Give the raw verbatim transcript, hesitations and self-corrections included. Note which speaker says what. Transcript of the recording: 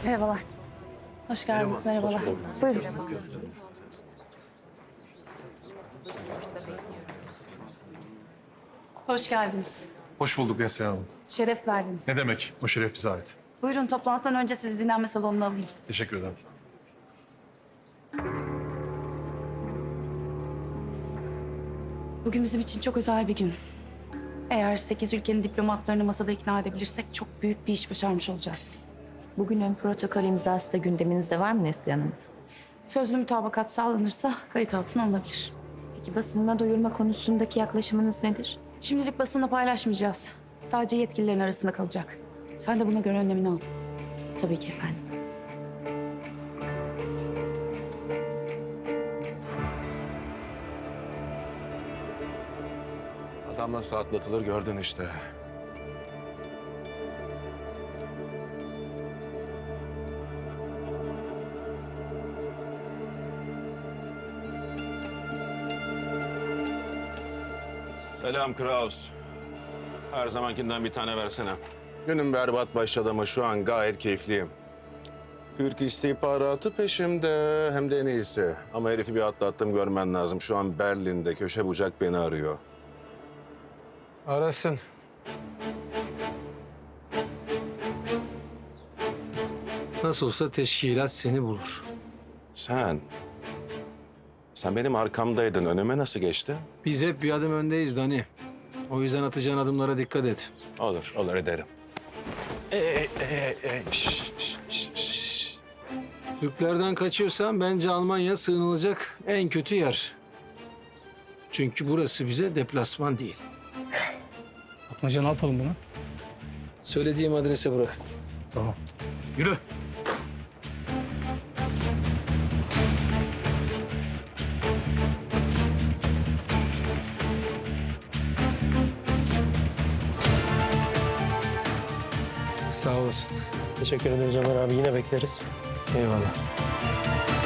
Speaker 1: Merhabalar. Hoş geldiniz.
Speaker 2: Merhaba,
Speaker 1: Merhabalar.
Speaker 2: hoş
Speaker 1: Buyurun. Hoş geldiniz.
Speaker 2: Hoş bulduk Neslihan Hanım.
Speaker 1: Şeref verdiniz.
Speaker 2: Ne demek? O şeref bize ait.
Speaker 1: Buyurun toplantıdan önce sizi dinlenme salonuna alayım.
Speaker 2: Teşekkür ederim.
Speaker 1: Bugün bizim için çok özel bir gün. Eğer sekiz ülkenin diplomatlarını masada ikna edebilirsek çok büyük bir iş başarmış olacağız.
Speaker 3: Bugünün protokol imzası da gündeminizde var mı Neslihan Hanım?
Speaker 1: Sözlü mütabakat sağlanırsa kayıt altına alınabilir.
Speaker 3: Peki basınına duyurma konusundaki yaklaşımınız nedir?
Speaker 1: Şimdilik basında paylaşmayacağız. Sadece yetkililerin arasında kalacak. Sen de buna göre önlemini al.
Speaker 3: Tabii ki efendim.
Speaker 4: Adam nasıl atlatılır gördün işte. Selam Kraus. Her zamankinden bir tane versene. Günün berbat başladı ama şu an gayet keyifliyim. Türk istihbaratı peşimde, hem de en iyisi. Ama herifi bir atlattım, görmen lazım. Şu an Berlin'de köşe bucak beni arıyor.
Speaker 5: Arasın. Nasıl olsa teşkilat seni bulur.
Speaker 4: Sen, sen benim arkamdaydın. Önüme nasıl geçti?
Speaker 5: Biz hep bir adım öndeyiz Dani. O yüzden atacağın adımlara dikkat et.
Speaker 4: Olur, olur ederim. Ee, e, e, e, şş, şş, şş, şş.
Speaker 5: Türklerden kaçıyorsan bence Almanya sığınılacak en kötü yer. Çünkü burası bize deplasman değil.
Speaker 6: Atmaca ne yapalım buna?
Speaker 5: Söylediğim adrese bırak.
Speaker 6: Tamam. Yürü.
Speaker 5: Sağ olasın.
Speaker 6: Teşekkür ederiz Ömer abi. Yine bekleriz.
Speaker 5: Eyvallah.